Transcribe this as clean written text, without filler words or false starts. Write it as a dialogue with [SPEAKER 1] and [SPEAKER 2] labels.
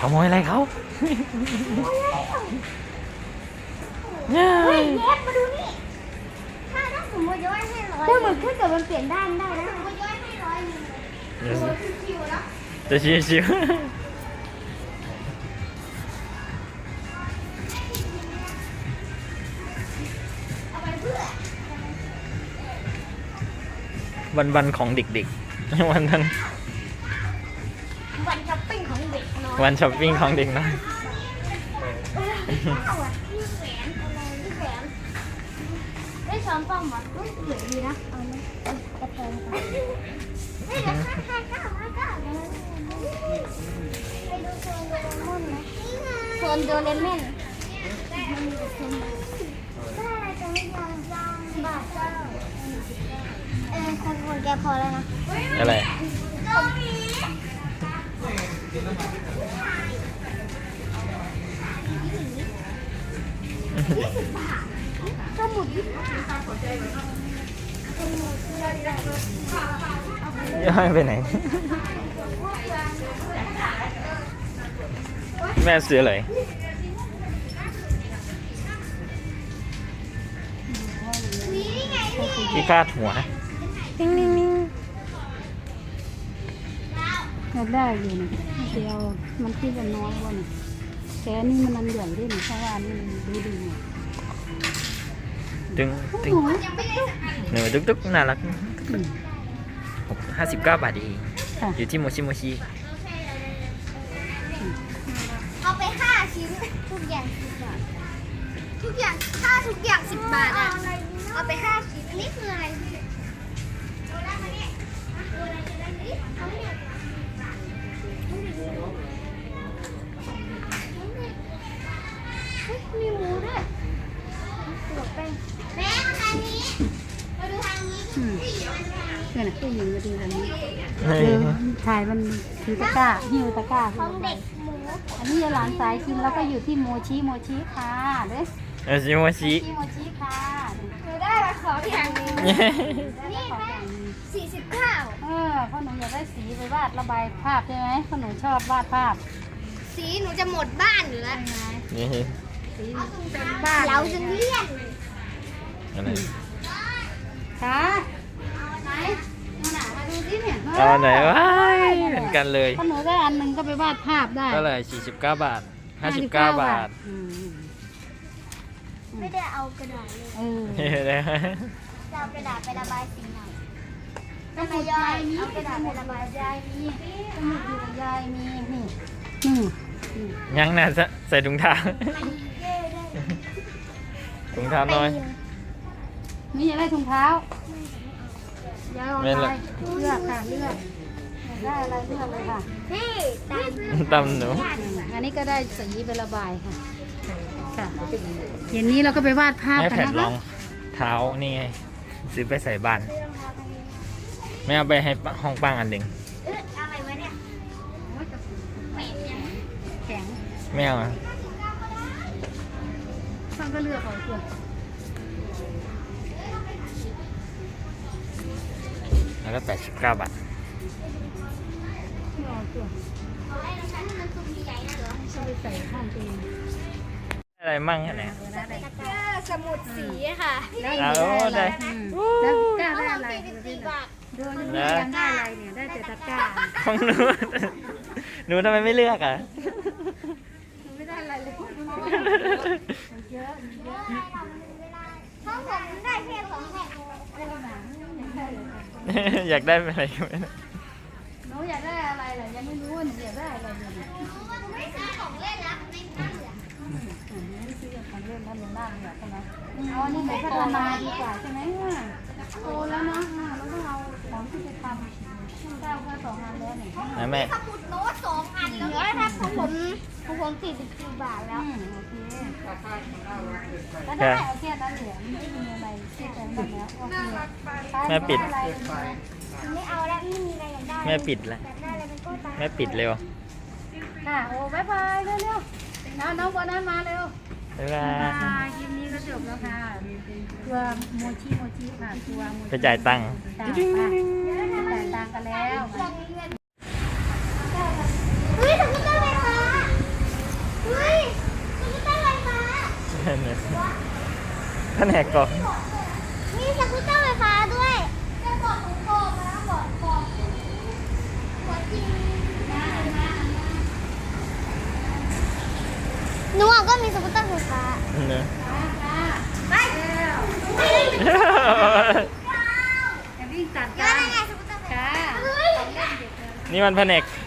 [SPEAKER 1] ขโมยอะไรเขา
[SPEAKER 2] เฮ้ยเย็บมาดูนี่ถ้าสมมติย้อยให้100เหมือนถ้าเกิดมันเปลี่ยนด้านได้นะสมมติย้อยให้100ชิวๆแล้ว
[SPEAKER 1] จะชิววันของเด็กๆวัน
[SPEAKER 2] ช้อปปิ้งของเด็กน้อย
[SPEAKER 1] วันช้อปปิ้งของเด็กน้อย
[SPEAKER 2] ได้ช้อนป้อมหมดสวยดีนะเอาไหมกระเทงไปเดี๋ยวข้าวไปดูโซนโดเรมอนนะโซนโดเรมอนได้อะไรจะไม่ยังบาทเจ้าคนแกพอแล้วนะ
[SPEAKER 1] อะไร
[SPEAKER 2] สมุด
[SPEAKER 1] ย่อยไปไหนแม่ซื้ออะไรที่คาดหัวนิ่ง
[SPEAKER 3] อยากได้อยู่นะเดียวมันที่จะน้อยกว่านี่แต่นี่มันใหญ่ด้วยนี่เพราะว่านี่มันดีๆเนี่ย
[SPEAKER 1] ตึงหนูตุ๊กน่ารัก59 บาทเองอยู่ที่โมชิ
[SPEAKER 2] เอาไป5 ชิ้นทุกอย่าง10 บาททุกอย่างค่าทุกอย่าง10 บาทอ่ะเอาไป5 ชิ้นนี่คืออะไรเอาได้มาเนี่ยเอาอะไรจะได้นี่เอาเนี่ยมีหมูด้วยตัวแป้งแม่มาทางนี้มาดูทางนี้
[SPEAKER 3] เนี่ยนะผู้หญิงมาดูแบบนี้ถ่ายมันถือตะกร้าหิ้วตะกร้า
[SPEAKER 2] ของเด็กหมู
[SPEAKER 3] อันนี้หลานสายกินแล้วก็อยู่ที่โมชิค่ะเด้
[SPEAKER 1] โมชิ
[SPEAKER 3] ค่ะ
[SPEAKER 2] หนูได้ละของอย่างนี้นี่แม่49
[SPEAKER 3] เพราะหนูอยากได้สีไปวาดระบายภาพใช่ไหมเพราะหนูชอบวาดภาพ
[SPEAKER 2] สีหนูจะหมดบ้านอยู่แล้ว
[SPEAKER 1] นี่
[SPEAKER 3] สีเป็นบ้าน
[SPEAKER 2] เราจะเลี่ยน
[SPEAKER 1] อะไร
[SPEAKER 3] ค่ะไหนมาดูสิเนี่ย
[SPEAKER 1] เอาไหนวะเหมือนกันเลย
[SPEAKER 3] ถ้าหนูได้อันหนึ่งก็ไปวาดภาพได้
[SPEAKER 1] ก็เลย49 บาท59 บาท
[SPEAKER 2] ไม่ได้เอากระดาษเลยจะเอากระดาษไประบายสีหน่อย
[SPEAKER 3] ก็ไม่ยายมีเอากระดาษไประบายยายมีสมุดอยู่กับยายมีนี่
[SPEAKER 1] ยังน่ะใส่ถุงเท้าน้อย
[SPEAKER 3] นี่อยากได้ถุงเท้ายายเอาอะไรเลือกค่ะเลือกได้อะไรเลือกเลยค่ะ
[SPEAKER 2] นี่
[SPEAKER 1] ตำหนู
[SPEAKER 3] อันนี้ก็ได้สีไประบายค่ะเย็นนี้เราก็ไปวาดภาพกันนะคะ
[SPEAKER 1] รองเท้านี่ไงซื้อไปใส่บ้านไม่เอาไปให้ห้องปังอันหนึ่ง
[SPEAKER 2] อะไรวะเนี่ย
[SPEAKER 3] แข็ง
[SPEAKER 1] ไม่เอาอ่ะ
[SPEAKER 3] ฟังก็เลือกเอาเถอะ
[SPEAKER 1] แล้วก็89 บาท
[SPEAKER 3] ไปใส่ห้องเอง
[SPEAKER 1] อะไรมั่งอะไร
[SPEAKER 2] สมุดสีค่ะ
[SPEAKER 1] แล้วได้
[SPEAKER 3] แล้วกล้าได้อะไรดูนี่ยังได้อะไรเนี่ยได้แต่ตะกร้า
[SPEAKER 1] ของหนูทำไมไม่เลือกอ่ะ
[SPEAKER 3] ไม่ได้อะไรเลยเยอะ
[SPEAKER 2] ห้องผมได้แค่2 แผ่น
[SPEAKER 1] อยากได้อะไรไหม
[SPEAKER 3] หนูอยากได้อะไรเหรอยังไม่รู้ว่าหนูอยากได้อะไรอยู่
[SPEAKER 2] ไม่ซื้อของเล่นแล้วไม่ซื้อ
[SPEAKER 3] ไม่ซื้อของเล่นแล้วมันน่าเบื่อใช่ไหมเอาอันนี้ไปพัฒนาดีกว่าใช่ไหมโตแล้วนะเราต้องเอาของที่จะทำได้แค่2 อันแล้วเนี่ย
[SPEAKER 1] แม่
[SPEAKER 2] สมุดโน้ต2 อันแล้วถ้าของผม44 บาทแล้ว
[SPEAKER 3] โอเคก็ได้โอเคตอนเหลือไม่มีอะไรที่จะทำแล้วโอเค
[SPEAKER 1] แม่ปิด
[SPEAKER 2] ไม่เอาแล้วไม่มีอะไรอย่างได้
[SPEAKER 1] แม่ปิดแล้วแม่ปิดเร็ว
[SPEAKER 3] ค่ะโอ้บายบายเร็วๆน้องโบนัสมาเร็ว
[SPEAKER 1] บ๊ายบาย
[SPEAKER 3] คลิปนี้ก็จบแล้วค่ะตัวโมชิค่ะตัวโมชิ
[SPEAKER 1] ไปจ่ายตังค์
[SPEAKER 3] จ่ายตังค์กันแล้ว
[SPEAKER 2] เฮ้ยทำไม่ได้เลยค่ะ
[SPEAKER 1] เนี่ยท่านแหกกอก
[SPEAKER 2] มีสกูตเตอร์ไฟฟ้าด้วยจะบอกของโกงนะบอกจริงหนูก็มีสกูตเตอร์ไฟฟ้า
[SPEAKER 1] เนี่ย
[SPEAKER 2] ไป
[SPEAKER 3] จะวิ่งตัด
[SPEAKER 2] ย้อ
[SPEAKER 3] กัน น
[SPEAKER 2] ยังไงสกูตเตอร์ไฟฟ้า
[SPEAKER 3] ค่ะ
[SPEAKER 2] เฮ้ย
[SPEAKER 1] นี่มันแผนก